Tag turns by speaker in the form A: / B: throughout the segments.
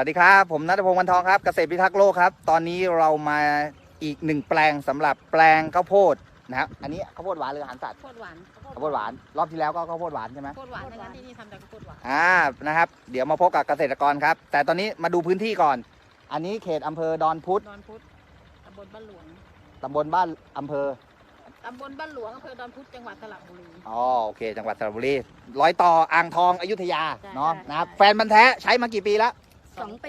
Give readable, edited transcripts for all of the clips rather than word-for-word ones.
A: วัสดีครับผมณัฐพงศ์ วรรณทองครับเกษตรพิทักษ์โลกครับตอนนี้เรามาอีกหนึ่งแปลงสำหรับแปลงข้าวโพดนะครับอันนี้ข้าวโพดหวานหรืออาหารสัตว์
B: ข้าวโพดหวาน
A: ข้าวโพดหวานรอบที่แล้วก็ข้าวโพดหวานใช่ไหม
B: ข้าวโพดหวานนะคะที่นี่ทำจากข้าวโพดหวาน
A: นะครับเดี๋ยวมาพบกับเกษตรกรครับแต่ตอนนี้มาดูพื้นที่ก่อนอันนี้เขตอำเภอดอนพุธ
B: ดอนพุธตำบลบ้านหลวง
A: ตำบลบ้านอำเภอ
B: ตำบลบ้านหลวงอำเภอดอนพุธจังหวัดสระบุรี
A: อ๋อโอเคจังหวัดสระบุรีร้อยต่ออ่างทองอยุธยา
B: ใช่
A: เนาะ
B: ใช่
A: นะครับแฟนพันธุ์แท้ใช้มากี่ปีแล้ว
B: 2 ปี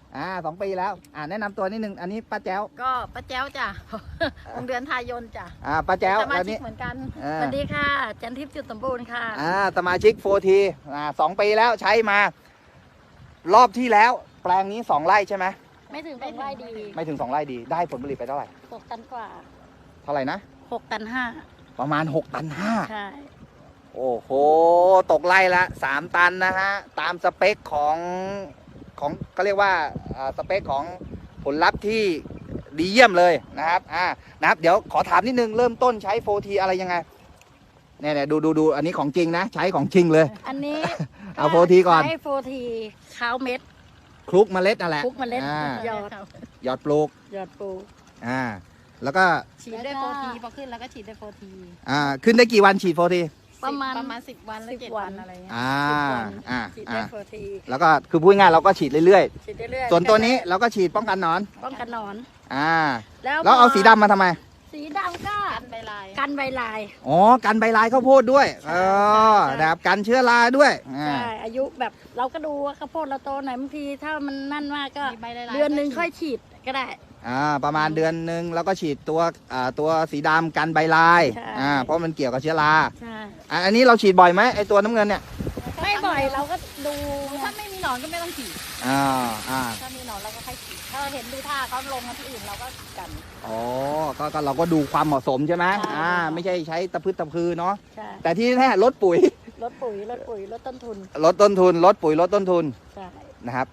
A: 2 ปีแล้วแนะนำตัวนิดนึงอันนี้ป้าแจ้ว
B: ก็ป้าแจ้วจ้ะ วงเดือนทายนจ้ะ
A: ป้าแจ้ว
B: สมา
A: แล้ว
B: ชิก
A: นี้
B: เหมือนกัน
C: สวัสดีค่ะ จันทิพย์จุดสมบูรณ์ค่ะ
A: สมาชิกโฟที2 ปีแล้วใช้มา รอบที่แล้ว แปลงนี้2 ไร่ใช่ไหม
C: ไม่ถึง2ไร่ดี
A: ไม่ถึง2 ไร่ดีได้ผลผลิตไปเท่าไหร่
C: 6 ตันกว่า
A: เท่าไหร่นะ
C: 6 ตัน
A: ประมาณ6 ตัน
C: 5 ใช่
A: 5โอ้โหตกไร่ละ3 ตันนะฮะตามสเปคของก็เรียกว่าสเปคของผลลัพธ์ที่ดีเยี่ยมเลยนะครับนะครับเดี๋ยวขอถามนิดนึงเริ่มต้นใช้โฟทีอะไรยังไงเนี่ยดูอันนี้ของจริงนะใช้ของจริงเลย
C: อันนี้
A: เอาโฟทีก่อน
C: ใช้โฟทีข้าวเม็ด
A: คลุกเมล็ดนั่นแหละ
C: คลุกเมล็ด
A: ห
C: ยอด
A: ยอดปลูก
C: ยอดปู
A: แล้วก็
B: ฉีดด้วยโฟทีพอขึ้นแล้วก็ฉีดด้วยโฟที
A: ขึ้นได้กี่วันฉีดโฟที
C: ประมาณ
B: 10 วันหรือ
C: 10
B: 7 วันอะไรเงี้ย
C: ฉีดได้โฟที
A: แล้วก็คือพูดง่ายๆเราก็ฉีดเรื่อย
C: ฉีดเรื่อย
A: ๆ ส่วนตัวนี้เราก็ฉีดป้องกันหนอน
C: ป้องกันหนอน
A: แล้ว
C: พ
A: เอาสีดำมาทำไม
C: สีดำก็
B: กันใบลาย
C: กันใบลาย
A: อ๋อกันใบลายข้าวโพดด้วยนะครับกันเชื้อราด้วย
C: ใช่อายุแบบเราก็ดูว่าข้าวโพดเราโตไหนบางทีถ้ามันนั่นมากก็
B: มีใบลายๆ
C: เดือนหนึ่งค่อยฉีดก็ได้
A: ประมาณเดือนหนึ่งแล้วก็ฉีดตัวสีดำกันใบลาย
C: ใช่
A: เพราะมันเกี่ยวกับเชื้อรา
C: ใช่
A: อันนี้เราฉีดบ่อยไหมไอตัวน้ำเงินเนี่ย
C: ไม่บ่อยเราก็ดู
B: ถ้าไม่มีหนอนก็ไม่ต้องฉีด
A: อ่า
B: ถ้ามีหนอนเราก็ค่อยฉีดถ้าเราเห็นดูท่าเขาลงมาที่อื่นเราก็กัน
A: อ๋อก็เราก็ดูความเหมาะสมใช่ไหม
C: ใช่
A: ไม่ใช่ใช้ตะพืชตะพือเนาะ
C: ใช่
A: แต่ที่แน่ลดปุ๋ย
C: ลดปุ๋ยลดต้นทุน
A: ลดต้นทุนลดปุ๋ยลดต้นทุน
C: ใช่
A: นะครับ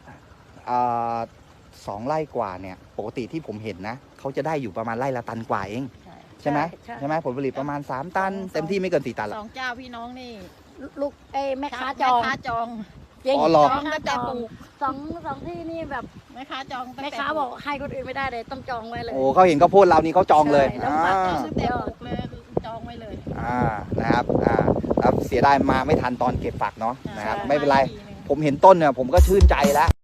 A: 2 ไร่กว่าเนี่ยปกติที่ผมเห็นนะเขาจะได้อยู่ประมาณไร่ละตันกว่าเองใช่ไหมใช่ไหมผลผลิตประมาณ3 ตันเต็มที่ไม่เกิน4 ตันหรอก
B: 2 เจ้าพี่น้องนี่
C: ลูกแม่ค้าจอง
B: แม่ค้าจอง
C: จริง
A: อ๋อเหรอ
B: จองก็จะปลูก
C: สองที่นี่แบบ
B: แม่ค้าจองตั้ง
C: แม่
B: แต่
C: ค้าบอกให้คนอื่นไม่ได้เลยต้องจองไว้เลย
A: โอ้เขาเห็นข้าวโพดเรานี่เขาจองเลย
C: ใช่แล้วปัก
B: ตั้งแต่ปลูกเลยจองไว้เลย
A: นะครับครับเสียดายมาไม่ทันตอนเก็บฝักเนาะนะครับ
C: ใช่
A: ไม่เป็นไรผมเห็นต้นเนี่ยผมก็ชื่นใจแล้ว